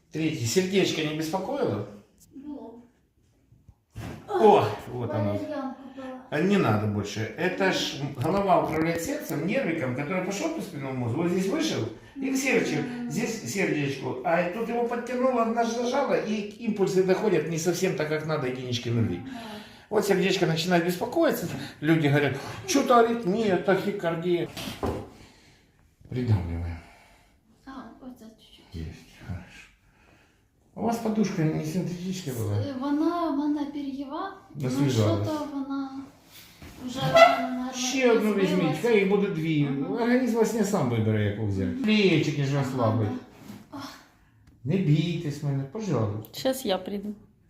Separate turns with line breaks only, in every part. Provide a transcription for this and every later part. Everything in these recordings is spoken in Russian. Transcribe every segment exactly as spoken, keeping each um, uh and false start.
Третий. Сердечко не беспокоило?
Ну.
О, вот оно.
Валерьянку была.
А не надо больше. Это ж голова управляет сердцем, нервиком, который пошел по спинному мозгу. Вот здесь вышел и к сердцу, здесь сердечку. А тут его подтянуло, нажало, и импульсы доходят не совсем так, как надо, единички нули. Вот сердечко начинает беспокоиться. Люди говорят, что-то аритмия, тахикардия. Придавливаем.
А, вот это чуть-чуть.
Есть, хорошо. У вас подушка не синтетическая была?
Е, Вона, вона пер'єва, ну
Освіжалась.
що-то вона вже, наверное,
Ще одну візьміть, хай їх буде дві. Організм вас не сам вибере, яку взяти. Плечики ж розслабить. Не бійтесь мене, пожалуйста.
Сейчас я приду.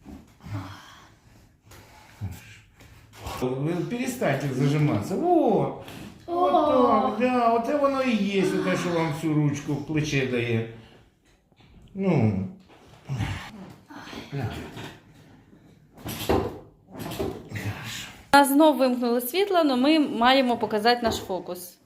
Вы перестаньте зажиматься. Вот. Вот так, да, вот это воно і є, те, що вам всю ручку в плече дає. Ну.
У нас знов вимкнули світло, але ми маємо показати наш фокус.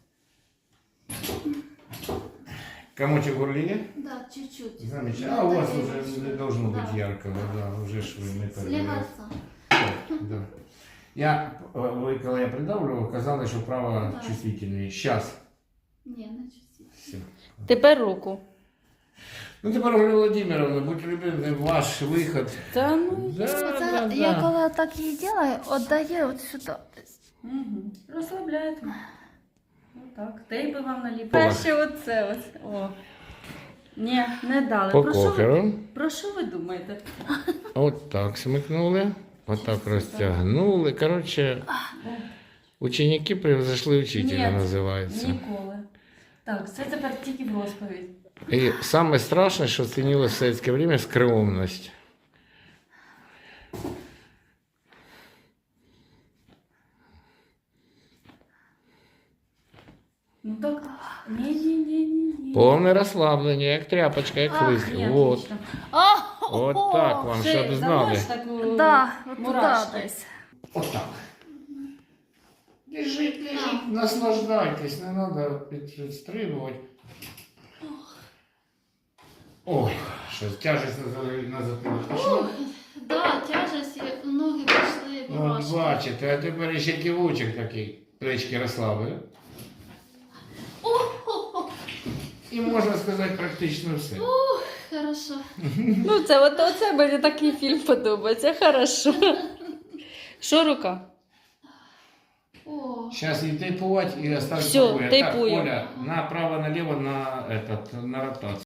Комочек в горле є?
Да, чуть-чуть.
Замечательно. А у вас уже не должно быть яркого, да, уже ж вы не
Слегаться.
Да. Я, вы, когда я придавливал, казалось, что право
Да.
чувствительнее. Сейчас.
Не, не чуть-чуть.
Все.
Тепер руку.
Ну, теперь, Ольга Владимировна, будь любезны, ваш выход.
Та ну.
Да,
Оце,
да,
я
да.
коли так її делаю, віддає от сюди.
Угу. Розслабляєте. Отак. Тейпи вам наліпили. Перше оце ось. О. Ні, не дали.
По
Про що, ви,
кокеру.
про що ви думаєте?
Вот так смыкнули, вот так растягнули. Короче, ученики превзошли учителя,
Ні,
называется.
Ніколи. Так, це тепер тільки в розповідь.
И самое страшное, что ценилось в советское время, скромность.
Ну так, ні-ні-ні-ні.
Полное расслабление, как тряпочка, как
Ах,
лыст.
ні,
Вот.
отлично.
Вот так вам,
Ще
чтобы знали.
знаєш таку
Да, от туди
мурашку?
десь.
Вот так. Лежит, лежит, наслаждайтесь, не надо підстрибувати. Ой, що тяжесть на, на затилок пішла.
Да, тяжесть, і ноги пішли,
От
мурашки.
бачите, а тепер ще кивочок такий, плечки розслабили. І можна сказати практично все.
Хорошо.
Ну, це от оце мені такий фільм подобається. Хорошо. Що рука?
О.
Сейчас и тейпувати, и оставить
Всё,
покоя. Так,
тейпую.
Оля, направо-налево на, этот, на ротацию.